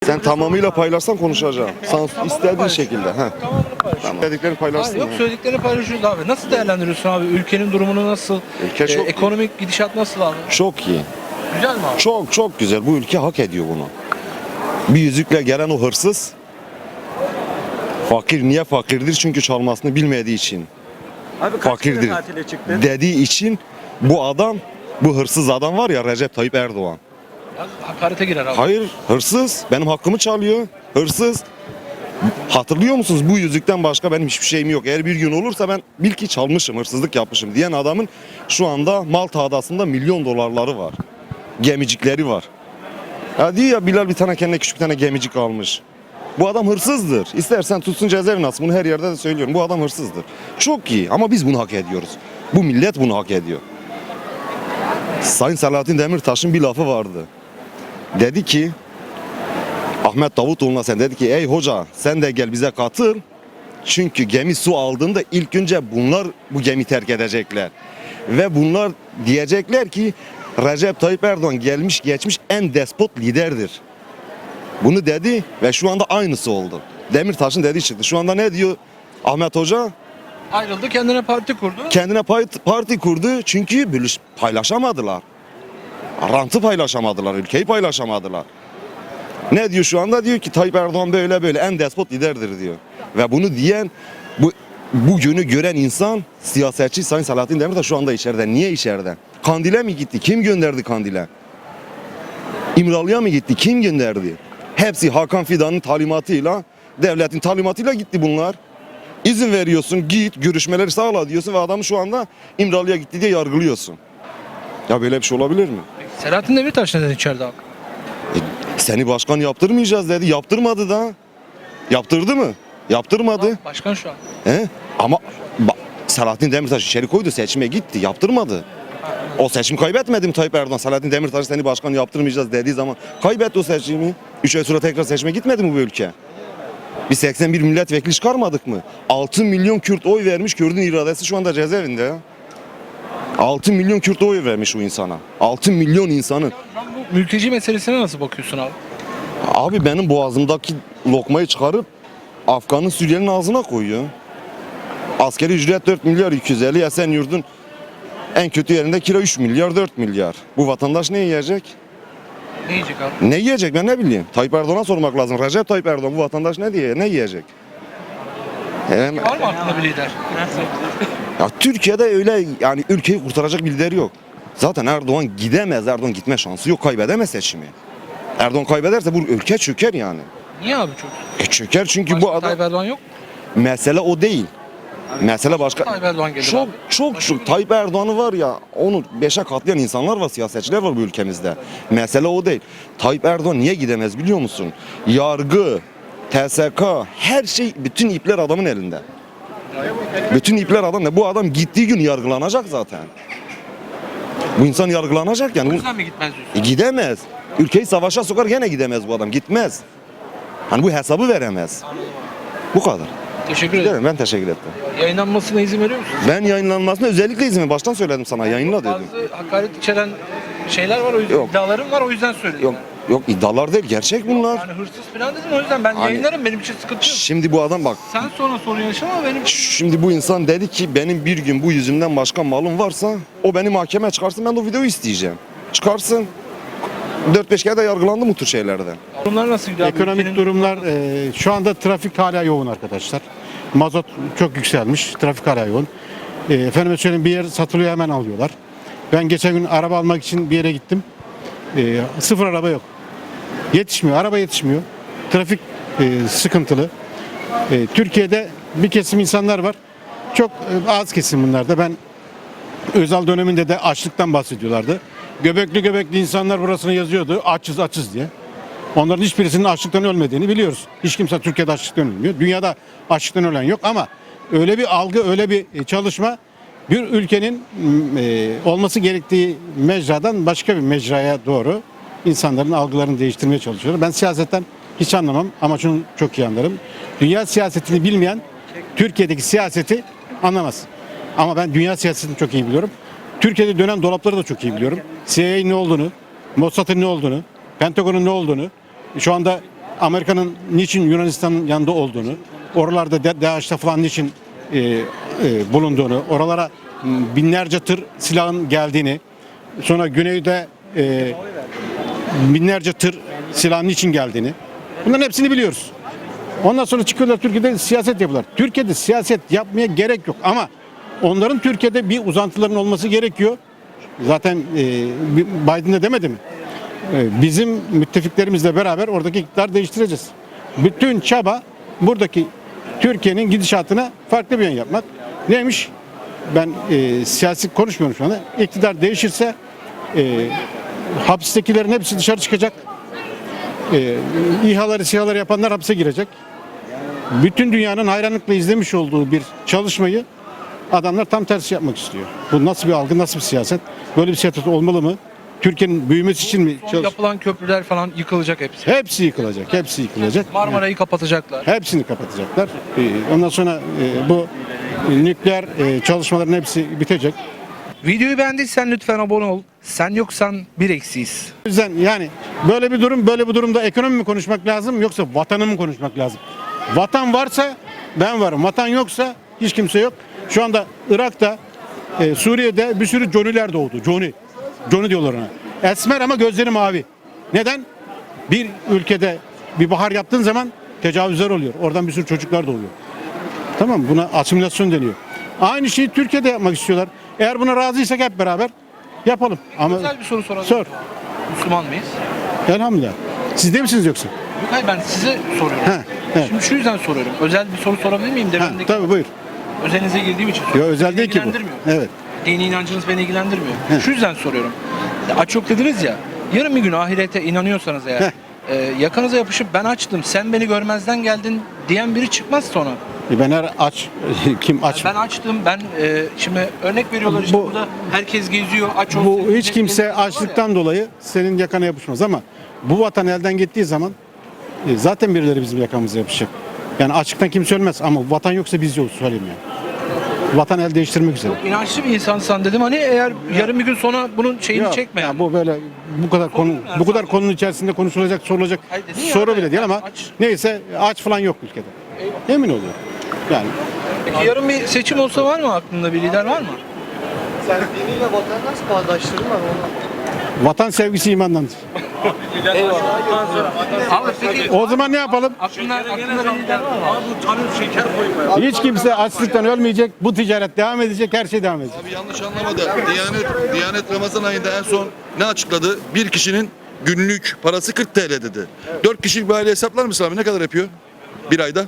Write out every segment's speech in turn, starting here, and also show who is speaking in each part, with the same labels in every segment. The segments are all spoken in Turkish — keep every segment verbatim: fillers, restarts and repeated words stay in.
Speaker 1: Sen tamamıyla paylaşsan konuşacağım. Sen istediğin
Speaker 2: paylaş.
Speaker 1: şekilde. Heh.
Speaker 2: Tamamını paylaş.
Speaker 1: Tamam. Dediklerini paylaşsın.
Speaker 2: Hayır, yok
Speaker 1: ya.
Speaker 2: söylediklerini paylaşıyoruz abi. Nasıl değerlendiriyorsun abi? Ülkenin durumunu nasıl?
Speaker 1: Ülke çok iyi.
Speaker 2: Ekonomik gidişat nasıl abi?
Speaker 1: Çok iyi.
Speaker 2: Güzel mi abi?
Speaker 1: Çok çok güzel. Bu ülke hak ediyor bunu. Bir yüzükle gelen o hırsız fakir. Niye fakirdir? Çünkü çalmasını bilmediği için.
Speaker 3: Abi kaç kere
Speaker 1: Fakirdir.
Speaker 3: tatile çıktın?
Speaker 1: Dediği için bu adam, bu hırsız adam var ya, Recep Tayyip Erdoğan.
Speaker 2: Ya, hakarete girer abi.
Speaker 1: Hayır, hırsız. Benim hakkımı çalıyor. Hırsız. Hatırlıyor musunuz? Bu yüzükten başka benim hiçbir şeyim yok. Eğer bir gün olursa ben bil ki çalmışım, hırsızlık yapmışım diyen adamın şu anda Malta Adası'nda milyon dolarları var. Gemicikleri var. Ya diyor ya, Bilal bir tane kendine küçük bir tane gemicik almış. Bu adam hırsızdır. İstersen tutsun cezaevine atsın. Bunu her yerde de söylüyorum. Bu adam hırsızdır. Çok iyi ama biz bunu hak ediyoruz. Bu millet bunu hak ediyor. Sayın Selahattin Demirtaş'ın bir lafı vardı. Dedi ki, Ahmet Davutoğlu'na sen dedi ki, ey hoca sen de gel bize katıl. Çünkü gemi su aldığında ilk önce bunlar bu gemi terk edecekler. Ve bunlar diyecekler ki Recep Tayyip Erdoğan gelmiş geçmiş en despot liderdir. Bunu dedi ve şu anda aynısı oldu. Demirtaş'ın dediği çıktı. Şu anda ne diyor Ahmet Hoca?
Speaker 2: Ayrıldı, kendine parti kurdu.
Speaker 1: Kendine parti kurdu çünkü bölüş paylaşamadılar. Rantı paylaşamadılar, ülkeyi paylaşamadılar. Ne diyor şu anda? Diyor ki Tayyip Erdoğan böyle böyle en despot liderdir diyor. Ve bunu diyen, bu bugünü gören insan siyasetçi Sayın Selahattin Demirtaş şu anda içeride. Niye içeride? Kandil'e mi gitti? Kim gönderdi Kandil'e? İmralı'ya mı gitti? Kim gönderdi? Hepsi Hakan Fidan'ın talimatıyla, devletin talimatıyla gitti bunlar. İzin veriyorsun, git görüşmeleri sağla diyorsun ve adamı şu anda İmralı'ya gitti diye yargılıyorsun. Ya böyle bir şey olabilir mi?
Speaker 2: Selahattin Demirtaş neden içeride abi?
Speaker 1: E, seni başkan yaptırmayacağız dedi. Yaptırmadı da. Yaptırdı mı? Yaptırmadı.
Speaker 2: Başkan şu an.
Speaker 1: He? Ama ba- Selahattin Demirtaş içeri koydu, seçime gitti. Yaptırmadı. O seçim kaybetmedi mi Tayyip Erdoğan? Selahattin Demirtaş seni başkan yaptırmayacağız dediği zaman kaybetti o seçimi. Üç ay sonra tekrar seçime gitmedi mi bu ülke? Biz seksen bir milletvekili çıkarmadık mı? altı milyon Kürt oy vermiş, Kürt'ün iradesi şu anda cezaevinde ya. altı milyon Kürt oy vermiş o insana. altı milyon insanın.
Speaker 2: Bu mülteci meselesine nasıl bakıyorsun abi?
Speaker 1: Abi benim boğazımdaki lokmayı çıkarıp Afgan'ın, Suriyeli'nin ağzına koyuyor. Askeri ücret dört milyar iki yüz elli, Esenyurt'un en kötü yerinde kira üç milyar dört milyar. Bu vatandaş ne yiyecek?
Speaker 2: Ne yiyecek abi?
Speaker 1: Ne yiyecek ben ne bileyim. Tayyip Erdoğan'a sormak lazım. Recep Tayyip Erdoğan bu vatandaş ne diye ne yiyecek? Hem,
Speaker 2: Var mı aklında bir lider?
Speaker 1: ya Türkiye'de öyle yani ülkeyi kurtaracak bir lider yok. Zaten Erdoğan gidemez. Erdoğan gitme şansı yok. Kaybedemez seçimi. Erdoğan kaybederse bu ülke çöker yani.
Speaker 2: Niye abi çok?
Speaker 1: E çöker çünkü
Speaker 2: Başka
Speaker 1: bu adam...
Speaker 2: Tayyip Erdoğan yok.
Speaker 1: Mesele o değil. Mesele başka.
Speaker 2: Tayyip Erdoğan gelir
Speaker 1: Çok
Speaker 2: abi.
Speaker 1: çok çok Tayyip Erdoğan'ı var ya, onu beşe katlayan insanlar var, siyasetçiler var bu ülkemizde. Mesele o değil. Tayyip Erdoğan niye gidemez biliyor musun? Yargı, T S K, her şey, bütün ipler adamın elinde. Bütün ipler adamda. Bu adam gittiği gün yargılanacak zaten. Bu insan yargılanacak yani.
Speaker 2: O yüzden mi gitmez diyorsun?
Speaker 1: E, gidemez. Ülkeyi savaşa sokar gene gidemez bu adam. Gitmez. Hani bu hesabı veremez. Bu kadar.
Speaker 2: Teşekkür ederim.
Speaker 1: Değil mi? Ben teşekkür ettim.
Speaker 2: Yayınlanmasına izin veriyor musun?
Speaker 1: Ben yayınlanmasına özellikle izin baştan söyledim sana, yayınla dedim.
Speaker 2: Bazı hakaret içeren şeyler var, o yüzden
Speaker 1: Yok.
Speaker 2: iddialarım var, o yüzden söyledim.
Speaker 1: Yok yok iddialar değil, gerçek bunlar.
Speaker 2: Yani hırsız falan dedim, o yüzden ben
Speaker 1: Hani-
Speaker 2: yayınlarım, benim için sıkıntı yok.
Speaker 1: Şimdi bu adam bak,
Speaker 2: Sen sonra sorun yaşama ama benim
Speaker 1: şimdi bu insan dedi ki benim bir gün bu yüzümden başka malım varsa o beni mahkemeye çıkarsın, ben de o videoyu isteyeceğim. Çıkarsın. dört beş kere de yargılandım bu tür şeylerden.
Speaker 2: durumlar nasıl gidiyor abi?
Speaker 4: Ekonomik
Speaker 2: Ülkenin-
Speaker 4: durumlar e, şu anda trafik hala yoğun arkadaşlar. Mazot çok yükselmiş, trafik hala yoğun. E, efendime söyleyeyim bir yer satılıyor hemen alıyorlar. Ben geçen gün araba almak için bir yere gittim. E, sıfır araba yok. Yetişmiyor, araba yetişmiyor. Trafik e, sıkıntılı. E, Türkiye'de bir kesim insanlar var. Çok e, az kesim bunlar da. Ben Özal döneminde de açlıktan bahsediyorlardı. Göbekli göbekli insanlar burasını yazıyordu. Açız açız diye. Onların hiçbirisinin açlıktan ölmediğini biliyoruz. Hiç kimse Türkiye'de açlıktan ölmüyor. Dünyada açlıktan ölen yok ama öyle bir algı, öyle bir çalışma bir ülkenin e, olması gerektiği mecradan başka bir mecraya doğru insanların algılarını değiştirmeye çalışıyor. Ben siyasetten hiç anlamam ama şunu çok iyi anlarım. Dünya siyasetini bilmeyen Türkiye'deki siyaseti anlamaz. Ama ben dünya siyasetini çok iyi biliyorum. Türkiye'de dönen dolapları da çok iyi biliyorum. C I A'nin ne olduğunu, Mossad'ın ne olduğunu, Pentagon'un ne olduğunu, şu anda Amerika'nın niçin Yunanistan'ın yanında olduğunu, oralarda De- DAEŞ'te falan niçin e, e, bulunduğunu, oralara m, binlerce tır silahın geldiğini, sonra güneyde e, binlerce tır silahın niçin geldiğini, bunların hepsini biliyoruz. Ondan sonra çıkıyorlar Türkiye'de siyaset yapıyorlar. Türkiye'de siyaset yapmaya gerek yok ama onların Türkiye'de bir uzantıların olması gerekiyor. Zaten e, Biden de demedi mi? E, bizim müttefiklerimizle beraber oradaki iktidarı değiştireceğiz. Bütün çaba buradaki Türkiye'nin gidişatına farklı bir yön yapmak. Neymiş? Ben e, siyasi konuşmuyorum şu anda. İktidar değişirse e, hapistekilerin hepsi dışarı çıkacak. E, İHA'ları, SİHA'ları yapanlar hapse girecek. Bütün dünyanın hayranlıkla izlemiş olduğu bir çalışmayı adamlar tam tersi yapmak istiyor. Bu nasıl bir algı, nasıl bir siyaset? Böyle bir siyaset olmalı mı? Türkiye'nin büyümesi için mi?
Speaker 2: Son
Speaker 4: çalış-
Speaker 2: yapılan köprüler falan yıkılacak hepsi.
Speaker 4: Hepsi yıkılacak, hepsi yıkılacak.
Speaker 2: Marmara'yı kapatacaklar.
Speaker 4: Hepsini kapatacaklar. Ee, Ondan sonra e, bu nükleer e, çalışmaların hepsi bitecek.
Speaker 2: Videoyu beğendiysen lütfen abone ol. Sen yoksan bir eksiyiz.
Speaker 4: O yüzden yani böyle bir durum, böyle bir durumda ekonomi mi konuşmak lazım yoksa vatanı mı konuşmak lazım? Vatan varsa ben varım. Vatan yoksa hiç kimse yok. Şu anda Irak'ta, e, Suriye'de bir sürü Johnny'ler doğdu. Johnny. Johnny diyorlar ona. Esmer ama gözleri mavi. Neden? Bir ülkede bir bahar yaptığın zaman tecavüzler oluyor. Oradan bir sürü çocuklar doğuyor. Tamam mı? Buna asimilasyon deniyor. Aynı şeyi Türkiye'de yapmak istiyorlar. Eğer buna razıysak hep beraber yapalım. Ama
Speaker 2: Güzel bir soru soralım.
Speaker 4: sor.
Speaker 2: Müslüman mıyız?
Speaker 4: Elhamdülillah. Siz de misiniz yoksa?
Speaker 2: Yok hayır ben size soruyorum.
Speaker 4: He, evet.
Speaker 2: Şimdi şu yüzden soruyorum. Özel bir soru sorabilir miyim?
Speaker 4: Ha,
Speaker 2: Demindeki
Speaker 4: tabii buyur.
Speaker 2: özelinize girdiğim için
Speaker 4: Yo,
Speaker 2: soruyorum.
Speaker 4: özel
Speaker 2: Beni
Speaker 4: değil ki bu.
Speaker 2: ilgilendirmiyor.
Speaker 4: Evet.
Speaker 2: Dini inancınız beni ilgilendirmiyor.
Speaker 4: Heh.
Speaker 2: Şu yüzden soruyorum. Ya aç yok dediniz ya. Yarın bir gün ahirete inanıyorsanız eğer
Speaker 4: Heh.
Speaker 2: e, yakanıza yapışıp ben açtım sen beni görmezden geldin diyen biri çıkmaz sonra.
Speaker 4: E ben her aç. Kim aç?
Speaker 2: Ben açtım ben e, şimdi örnek veriyorlar işte
Speaker 4: Bu-
Speaker 2: burada herkes geziyor aç olsun.
Speaker 4: Bu hiç
Speaker 2: millet
Speaker 4: kimse
Speaker 2: geziyor var ya.
Speaker 4: açlıktan dolayı senin yakana yapışmaz ama bu vatan elden gittiği zaman e, zaten birileri bizim yakamıza yapışacak. Yani açlıktan kimse ölmez ama vatan yoksa biz yokuz söyleyeyim yani. Vatan el değiştirmek üzere.
Speaker 2: İnançlı bir insansan dedim hani eğer yarın bir gün sonra bunun şeyini
Speaker 4: Yok,
Speaker 2: çekme.
Speaker 4: ya
Speaker 2: Yani.
Speaker 4: bu böyle bu kadar konu
Speaker 2: yani
Speaker 4: bu kadar
Speaker 2: sadece.
Speaker 4: konunun içerisinde konuşulacak, sorulacak
Speaker 2: Hayır dedin ya
Speaker 4: soru
Speaker 2: abi,
Speaker 4: bile değil ama
Speaker 2: aç.
Speaker 4: neyse aç falan yok ülkede. Emin oluyorum. Yani
Speaker 2: Peki yarın bir seçim olsa var mı aklında bir lider var mı?
Speaker 3: Sen diniyle vatan nasıl bağdaştırma onu?
Speaker 4: vatan sevgisi imandandır.
Speaker 2: Abi peki
Speaker 4: O zaman ne yapalım?
Speaker 2: aklında, aklında bir lider var mı?
Speaker 4: Hiç kimse açlıktan ölmeyecek. Bu ticaret devam edecek. Her şey devam edecek.
Speaker 5: Abi yanlış anlamadı. Diyanet, Diyanet Ramazan ayında en son ne açıkladı? Bir kişinin günlük parası kırk T L dedi. dört kişilik bir aile hesaplar mısın abi? Ne kadar yapıyor? Bir ayda?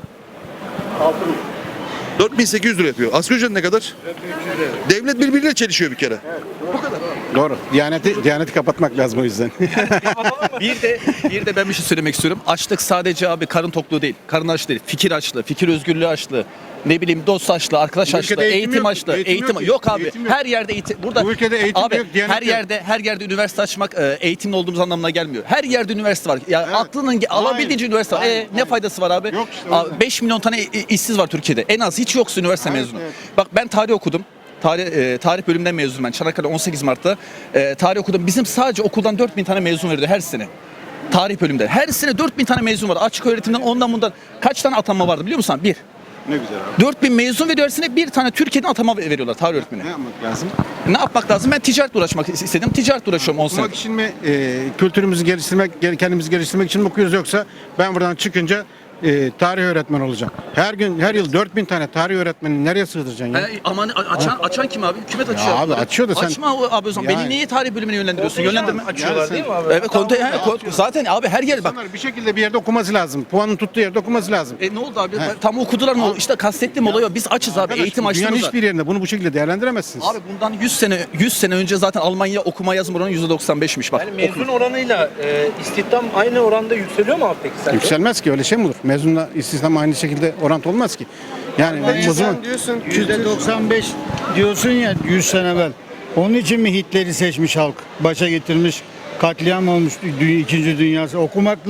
Speaker 5: dört bin sekiz yüz lira yapıyor. Asgari ücret ne kadar? Devlet birbiriyle çelişiyor bir kere.
Speaker 4: Doğru. Diyaneti, Diyaneti kapatmak lazım o yüzden.
Speaker 6: Bir de bir de ben bir şey söylemek istiyorum. Açlık sadece abi karın tokluğu değil. Karın açlığı değil. Fikir açlığı, fikir özgürlüğü açlığı. Ne bileyim dost açlığı, arkadaş
Speaker 4: Bu ülkede
Speaker 6: açlığı,
Speaker 4: eğitim
Speaker 6: eğitim,
Speaker 4: yok.
Speaker 6: açlığı,
Speaker 4: Eğitim
Speaker 6: eğitim,
Speaker 4: yok ki.
Speaker 6: yok abi.
Speaker 4: Eğitim yok.
Speaker 6: Her yerde eğitim. Burada
Speaker 4: Bu ülkede eğitim
Speaker 6: abi,
Speaker 4: yok, Diyanet
Speaker 6: her
Speaker 4: yok.
Speaker 6: yerde her yerde üniversite açmak e, eğitimli olduğumuz anlamına gelmiyor. Her yerde üniversite var. Ya
Speaker 4: Evet.
Speaker 6: aklının ge- alabildiğince üniversite var.
Speaker 4: Aynen,
Speaker 6: E, ne faydası var abi?
Speaker 4: Yok işte, o
Speaker 6: Abi,
Speaker 4: yüzden.
Speaker 6: beş milyon tane i- işsiz var Türkiye'de. En az hiç yoksa üniversite
Speaker 4: Evet,
Speaker 6: mezunu.
Speaker 4: evet.
Speaker 6: Bak ben tarih okudum. Tarih, e, tarih bölümünden mezunum ben. Çanakkale on sekiz Mart'ta e, tarih okudum. Bizim sadece okuldan dört bin tane mezun veriyordu her sene. Tarih bölümünde. Her sene dört bin tane mezun var. Açık öğretimden ondan bundan kaç tane atanma vardı biliyor musun? Bir.
Speaker 4: ne güzel abi.
Speaker 6: dört bin mezun veriyor her sene bir tane Türkiye'den atama veriyorlar tarih öğretmeni.
Speaker 4: Ne yapmak lazım?
Speaker 6: Ne yapmak lazım? Ben ticaretle uğraşmak istedim. Ticaretle uğraşıyorum on sene.
Speaker 4: Okumak için mi, e, kültürümüzü geliştirmek, gel- kendimizi geliştirmek için mi okuyoruz yoksa ben buradan çıkınca e, tarih öğretmeni olacağım. Her gün, her yıl dört bin tane tarih öğretmenini nereye sığdıracaksın ya?
Speaker 6: E, aman a- açan açan kim abi? Hükümet açıyor.
Speaker 4: abi açıyor da sen-
Speaker 6: Açma o- abi o zaman.
Speaker 4: Yani-
Speaker 6: Beni niye tarih bölümüne yönlendiriyorsun? Yönlendirme.
Speaker 2: Açıyorlar değil mi abi?
Speaker 6: Evet, konte, he, kon- zaten abi her yer bak.
Speaker 4: İnsanlar bir şekilde bir yerde okuması lazım. Puanın tuttuğu yerde okuması lazım.
Speaker 6: E ne oldu abi? Tam okudular mı? İşte kastettiğim olay o. Biz açız abi.
Speaker 4: Arkadaş,
Speaker 6: Eğitim
Speaker 4: dünyanın
Speaker 6: açlığımız var.
Speaker 4: hiçbir yerinde bunu bu şekilde değerlendiremezsiniz.
Speaker 6: Abi bundan yüz sene yüz sene önce zaten Almanya okuma yazma oranı yüzde doksan beşmiş bak.
Speaker 2: Yani mezun oranıyla e, istihdam aynı oranda yükseliyor mu abi peki sence?
Speaker 4: Yükselmez ki, öyle şey mi olur? Mezunla istihdam aynı şekilde orantı olmaz ki. Yani o zaman
Speaker 3: Sen diyorsun
Speaker 7: yüzde doksan beş diyorsun ya yüz sene evvel. Onun için mi Hitler'i seçmiş halk? Başa getirmiş, katliam olmuş dü- İkinci Dünyası. Okumakla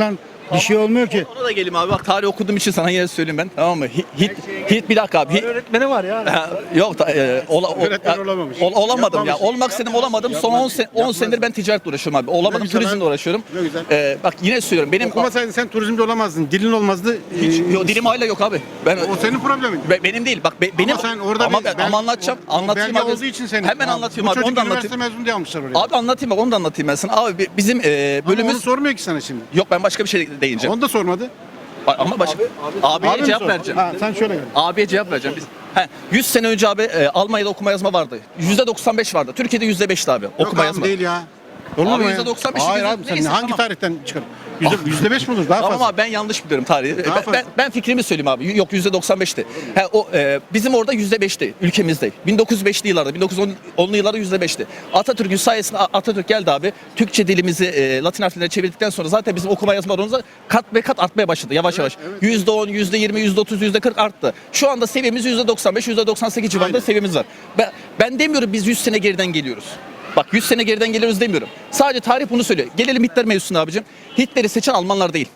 Speaker 7: Bir şey olmuyor ki.
Speaker 6: Ona da geleyim abi. Bak tarih okuduğum için sana yine söyleyeyim ben. Tamam mı? Hit, hit, hit bir dakika abi. Hit,
Speaker 2: Öğretmeni var ya.
Speaker 6: Ha, yok ta- e, ola, o-
Speaker 4: Öğretmen
Speaker 6: ya,
Speaker 4: olamamış.
Speaker 6: ol- olamadım ya.
Speaker 4: Yapmamış.
Speaker 6: Olmak istedim olamadım. Son on sen, on senedir ben ticaretle uğraşıyorum abi. Olamadım.
Speaker 4: güzel
Speaker 6: Turizmle
Speaker 4: abi.
Speaker 6: uğraşıyorum.
Speaker 4: Ne güzel.
Speaker 6: Ee, bak yine söylüyorum. Benim
Speaker 4: Okumasaydın sen turizmde olamazdın. Dilin olmazdı.
Speaker 6: hiç,
Speaker 4: Ee,
Speaker 6: yo, dilim hala yok abi. Ben
Speaker 4: O senin problemin.
Speaker 6: Be- benim değil. Bak be- benim
Speaker 4: sen orada
Speaker 6: ama
Speaker 4: bir
Speaker 6: ben,
Speaker 4: bel-
Speaker 6: ama anlatacağım.
Speaker 4: o- o
Speaker 6: anlatayım
Speaker 4: belge
Speaker 6: abi.
Speaker 4: olduğu için senin.
Speaker 6: Hemen
Speaker 4: Ya,
Speaker 6: anlatayım
Speaker 4: bu
Speaker 6: abi.
Speaker 4: çocuk
Speaker 6: Onu da
Speaker 4: üniversite
Speaker 6: anlatayım.
Speaker 4: mezunu diye almışlar oraya.
Speaker 6: Abi anlatayım bak onu da anlatayım ben sana. Abi bi- bizim e,
Speaker 4: Ama onu
Speaker 6: bölümümüz
Speaker 4: sormuyor ki sana şimdi.
Speaker 6: yok ben başka bir şey değineceğim.
Speaker 4: Onu da sormadı.
Speaker 6: Ba- Ama başka abiye
Speaker 4: Abi mi
Speaker 6: cevap
Speaker 4: sor?
Speaker 6: vereceğim.
Speaker 4: Ha, sen şöyle gel.
Speaker 6: Abiye cevap vereceğim. Biz he, yüz sene önce abi e, Almanya'da okuma yazma vardı. yüzde doksan beş vardı. Türkiye'de yüzde beşti abi okuma
Speaker 4: Yok abi
Speaker 6: yazma.
Speaker 4: değil ya. Olur
Speaker 6: Abi
Speaker 4: mu ya?
Speaker 6: yüzde doksan beş,
Speaker 4: Hayır
Speaker 6: yüzde-
Speaker 4: abi sen
Speaker 6: neyse,
Speaker 4: hangi
Speaker 6: tamam.
Speaker 4: tarihten çıkar? Yüzde, yüzde beş mi olur? Daha
Speaker 6: Tamam
Speaker 4: fazla.
Speaker 6: abi ben yanlış biliyorum tarihi.
Speaker 4: Daha
Speaker 6: Ben,
Speaker 4: fazla.
Speaker 6: ben, ben fikrimi söyleyeyim abi. Yok yüzde doksan beşti. He, o, e, bizim orada yüzde beşti ülkemizde. bin dokuz yüz beşli yıllarda, bin dokuz yüz onlu yıllarda yüzde beşti. Atatürk'ün sayesinde A- Atatürk geldi abi. Türkçe dilimizi e, Latin harflerine çevirdikten sonra zaten bizim okuma yazma oranımız kat ve kat artmaya başladı yavaş yavaş. yüzde on, yüzde yirmi, yüzde otuz, yüzde kırk arttı. Şu anda seviyemiz yüzde doksan beş, yüzde doksan sekiz civarında
Speaker 4: Aynen.
Speaker 6: seviyemiz var. Ben, ben demiyorum biz yüz sene geriden geliyoruz. Bak yüz sene geriden geliyoruz demiyorum. Sadece tarih bunu söylüyor. Gelelim Hitler mevzusuna abicim. Hitler'i seçen Almanlar değil.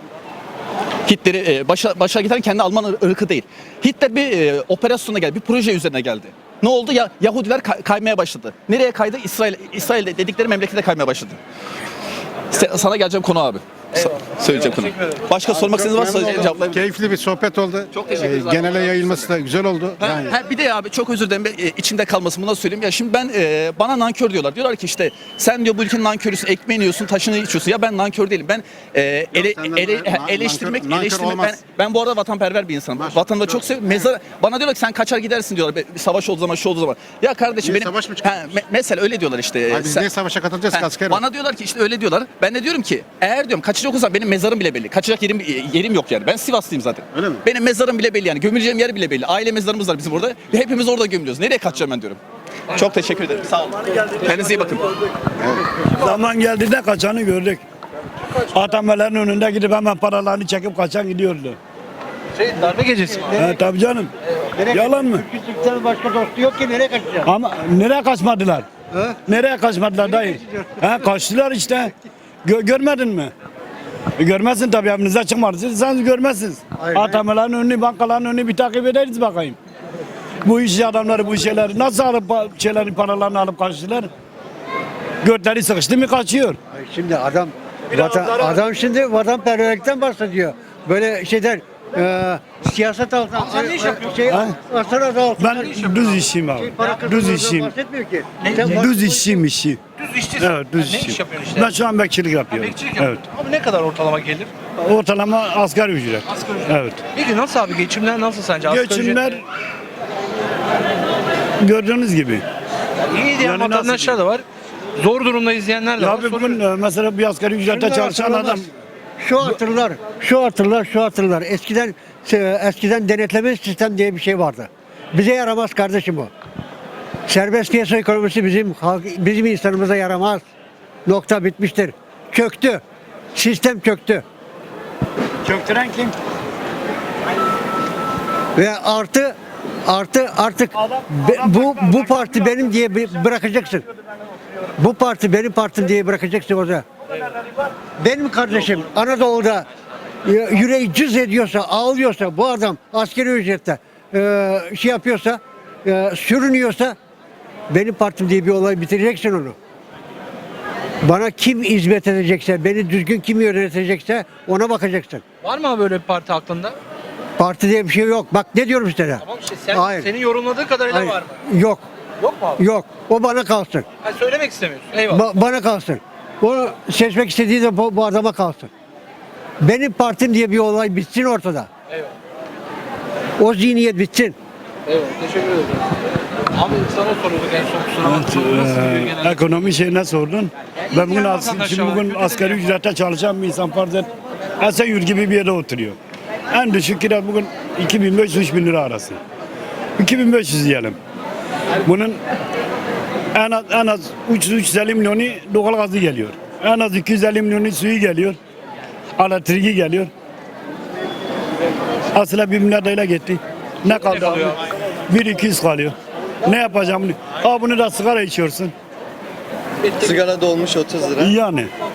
Speaker 6: Hitler'i e, başa, başa getiren kendi Alman ır- ırkı değil. Hitler bir e, operasyona geldi, bir proje üzerine geldi. Ne oldu? Ya Yahudiler kay- kaymaya başladı. Nereye kaydı? İsrail, İsrail dedikleri memlekete kaymaya başladı. Se- sana geleceğim konu abi. Sa- söyleyeceğim konu. Başka sormak istediğiniz varsa
Speaker 4: Memnun oldum.
Speaker 6: cevaplayayım.
Speaker 4: Keyifli bir sohbet oldu.
Speaker 6: Çok teşekkür ederiz
Speaker 4: Ee,
Speaker 6: abi.
Speaker 4: Genele yayılması da güzel oldu.
Speaker 6: Ha,
Speaker 4: Yani
Speaker 6: ha, bir de abi çok özür dilerim e, içimde kalmasın bunu da söyleyeyim. Ya şimdi ben e, bana nankör diyorlar. Diyorlar ki işte sen diyor bu ülkenin nankörüsün, ekmeğini yiyorsun, taşını içiyorsun. Ya ben nankör değilim. Ben e, ele,
Speaker 4: senden
Speaker 6: ele-
Speaker 4: nankör-
Speaker 6: ha, eleştirmek,
Speaker 4: nankör
Speaker 6: eleştirmek ben,
Speaker 4: olmaz.
Speaker 6: ben bu arada vatanperver bir insanım.
Speaker 4: Maşallah.
Speaker 6: Vatanı da çok seviyorum. Mezar bana diyorlar ki sen kaçar gidersin diyorlar. Bir savaş olduğu zaman, şu olduğu zaman. Ya kardeşim
Speaker 4: Niye
Speaker 6: benim
Speaker 4: savaş mı
Speaker 6: ha, me- mesela öyle diyorlar işte.
Speaker 4: Abi biz
Speaker 6: Sen-
Speaker 4: niye savaşa katılacağız
Speaker 6: Ha,
Speaker 4: ki asker?
Speaker 6: bana diyorlar ki işte öyle diyorlar. Ben de diyorum ki eğer diyorum kaçacak olsam benim mezarım bile belli. Kaçacak yerim yerim yok yani. Ben Sivaslıyım zaten.
Speaker 4: Öyle mi?
Speaker 6: Benim mezarım bile belli yani. Gömüleceğim yer bile belli. Aile mezarımız var bizim orada. Ve hepimiz orada gömülüyoruz. Nereye kaçacağım ben diyorum. Çok teşekkür ederim. Sağ olun. Kendinize iyi bakın.
Speaker 8: Zaman geldi de kaçanı gördük. Atamelerin önünde gidip hemen paralarını çekip kaçan gidiyordu.
Speaker 2: Şey darbe gecesi mi?
Speaker 8: He tabii canım. Yalan mı?
Speaker 7: Türk'ün başka dostu yok ki nereye kaçacak?
Speaker 8: Ama nereye kaçmadılar? Nereye kaçmadılar dayı? He kaçtılar işte. Gö- görmedin mi? E, görmezsin tabii evinize çıkmadıysanız görmezsiniz. Atamelerin önünü, bankaların önünü bir takip ederiz bakayım. Bu iş adamları bu şeyleri nasıl alıp pa- şeylerin paralarını alıp kaçtılar? Götleri sıkıştı mı kaçıyor.
Speaker 7: Şimdi adam vatan, adam şimdi vatanperverlikten bahsediyor. Böyle şeyler e, siyaset altında
Speaker 2: sen ne iş yapıyorsun?
Speaker 7: şey,
Speaker 8: Ha?
Speaker 7: asır adı altında
Speaker 8: Ben düz işçiyim abi.
Speaker 7: para
Speaker 8: Düz
Speaker 7: kazanmadan
Speaker 8: işçiyim.
Speaker 7: bahsetmiyor ki.
Speaker 2: Ne-
Speaker 7: Sen
Speaker 2: ne-
Speaker 7: bak-
Speaker 8: Düz işçiyim işçi.
Speaker 2: Düz işçisin.
Speaker 8: Evet düz
Speaker 2: Ha, ne iş
Speaker 8: işçiyim.
Speaker 2: yapıyorsun işte?
Speaker 8: Ben şu an bekçilik yapıyorum.
Speaker 2: Bekçilik
Speaker 8: Evet.
Speaker 2: yapıyorsun. Abi ne kadar ortalama gelir?
Speaker 8: Ortalama asgari ücret.
Speaker 2: Asgari ücret.
Speaker 8: Evet.
Speaker 2: Peki nasıl abi geçimler nasıl sence? Asgari
Speaker 8: Geçimler
Speaker 2: ücret-
Speaker 8: gördüğünüz gibi.
Speaker 2: İyi diyen
Speaker 8: Yani nasıl
Speaker 2: vatandaşlar da var. Zor durumda izleyenler de
Speaker 8: Ya
Speaker 2: var.
Speaker 8: abi bugün
Speaker 2: Soruyorum.
Speaker 8: e, mesela bir asgari ücrete
Speaker 7: Şunlar
Speaker 8: çalışan
Speaker 7: hatırlamaz.
Speaker 8: adam
Speaker 7: Şu hatırlar, şu hatırlar, şu hatırlar. Eskiden e, eskiden denetleme sistem diye bir şey vardı. Bize yaramaz kardeşim o. Serbest piyasa ekonomisi bizim halk, bizim insanımıza yaramaz. Nokta bitmiştir. Çöktü. Sistem çöktü.
Speaker 8: çöktüren kim?
Speaker 7: Ve artı artı artık be- bu bu parti benim diye bir- bırakacaksın. Bu parti benim partim diye bırakacaksın orada. Benim kardeşim Anadolu'da e, yüreği cız ediyorsa, ağlıyorsa, bu adam askeri ücrette e, şey yapıyorsa, e, sürünüyorsa benim partim diye bir olay bitireceksin onu. Bana kim hizmet edecekse, beni düzgün kim yönetecekse ona bakacaksın.
Speaker 2: Var mı abi böyle bir parti aklında?
Speaker 7: Parti diye bir şey yok. Bak ne diyorum işte.
Speaker 2: Tamam işte sen,
Speaker 7: Hayır.
Speaker 2: senin yorumladığı kadarıyla
Speaker 7: Hayır.
Speaker 2: var mı?
Speaker 7: Yok.
Speaker 2: Yok mu abi?
Speaker 7: Yok. O bana kalsın.
Speaker 2: Ha, söylemek istemiyorsun. Eyvallah.
Speaker 7: Ba- bana kalsın. Onu seçmek istediği de bu, bu adama kalsın. Benim partim diye bir olay bitsin ortada.
Speaker 2: Eyvallah.
Speaker 7: O zihniyet bitsin.
Speaker 2: Eyvallah. Teşekkür ederim. Abi sana soruyorduk en son kusura bakma. Nasıl gidiyor genelde?
Speaker 8: Ekonomi şeyine sordun. Ben bugün,
Speaker 2: diğer
Speaker 8: as-
Speaker 2: vatandaşlar
Speaker 8: şimdi
Speaker 2: var,
Speaker 8: bugün
Speaker 2: kötü
Speaker 8: asgari
Speaker 2: değil.
Speaker 8: ücrete çalışan bir insan farz et. Esenyurt gibi bir yere oturuyor. En düşük kira bugün iki bin beş yüz üç bin lira arası. iki bin beş yüz diyelim. Bunun en az, en az üç yüz elli milyonu doğal gazı geliyor. En az iki yüz elli milyonu suyu geliyor. Elektriği geliyor. Aslında bir milyar lira gitti. Ne kaldı abi?
Speaker 2: kalıyor?
Speaker 8: Bir iki yüz kalıyor. Ne yapacağım bunu? Aa bunu da sigara içiyorsun.
Speaker 3: Sigara dolmuş otuz lira.
Speaker 8: Yani.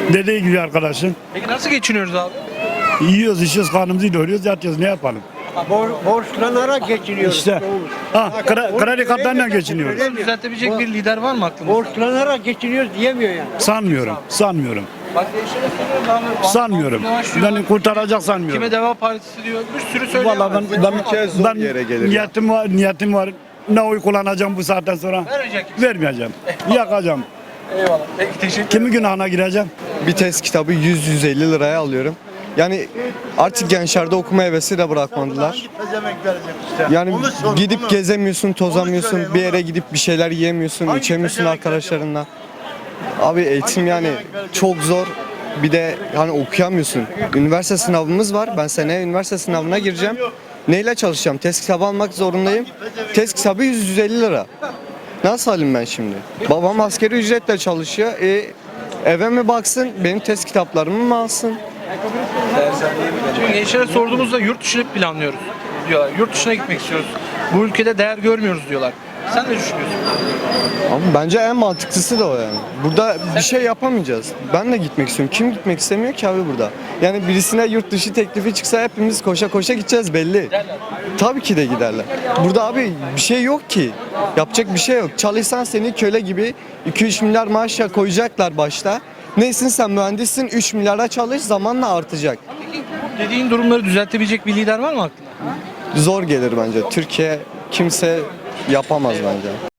Speaker 8: Dediği gibi arkadaşın.
Speaker 2: Peki nasıl geçiniyoruz abi?
Speaker 8: Yiyoruz, içiyoruz, karnımızı doyuruyoruz, yatıyoruz. Ne yapalım?
Speaker 7: Bor, borçlanarak geçiniyoruz.
Speaker 8: İşte. Ha, kre- kredi kartlarıyla geçiniyoruz.
Speaker 2: Bunu düzeltebilecek bir lider var mı aklınızda?
Speaker 7: Borçlanarak geçiniyoruz diyemiyor yani.
Speaker 8: Sanmıyorum, sanmıyorum.
Speaker 2: Bak gençlere soruyorum abi.
Speaker 8: Sanmıyorum. Beni kurtaracak sanmıyorum.
Speaker 2: Kime Deva Partisi diyor. Bir sürü söylüyor.
Speaker 8: Vallahi ben, ben, ben niyetim var, niyetim var. Ne oy kullanacağım bu saatten sonra?
Speaker 2: Vermeyecek kimse.
Speaker 8: Vermeyeceğim. Yakacağım.
Speaker 2: Eyvallah. Peki teşekkür ederim.
Speaker 8: Kimin günahına gireceğim?
Speaker 3: Bir test kitabı yüz yüz elli liraya alıyorum. Yani artık gençlerde okuma hevesi de bırakmadılar. Yani gidip gezemiyorsun, tozamıyorsun, bir yere gidip bir şeyler yiyemiyorsun, içemiyorsun arkadaşlarınla. Abi eğitim yani çok zor. Bir de hani okuyamıyorsun. Üniversite sınavımız var. Ben seneye üniversite sınavına gireceğim. Neyle çalışacağım? Test kitabı almak zorundayım. Test kitabı yüz yüz elli lira. Nasıl alayım ben şimdi? Babam asgari ücretle çalışıyor. E, eve mi baksın? Benim test kitaplarımı mı alsın?
Speaker 2: Şimdi gençlere sorduğumuzda yurt dışını planlıyoruz diyorlar. Yurt dışına gitmek istiyoruz. Bu ülkede değer görmüyoruz diyorlar. Sen ne düşünüyorsun?
Speaker 3: Ama bence en mantıklısı da o yani. Burada bir şey yapamayacağız. Ben de gitmek istiyorum. Kim gitmek istemiyor ki abi burada? Yani birisine yurt dışı teklifi çıksa hepimiz koşa koşa gideceğiz belli. Tabii ki de giderler. Burada abi bir şey yok ki. Yapacak bir şey yok. Çalışsan seni köle gibi iki üç milyar maaşa koyacaklar başta. Neysin sen mühendissin üç milyara çalış zamanla artacak.
Speaker 2: Dediğin durumları düzeltebilecek bir lider var mı aklında?
Speaker 3: Zor gelir bence. Türkiye kimse yapamaz bence.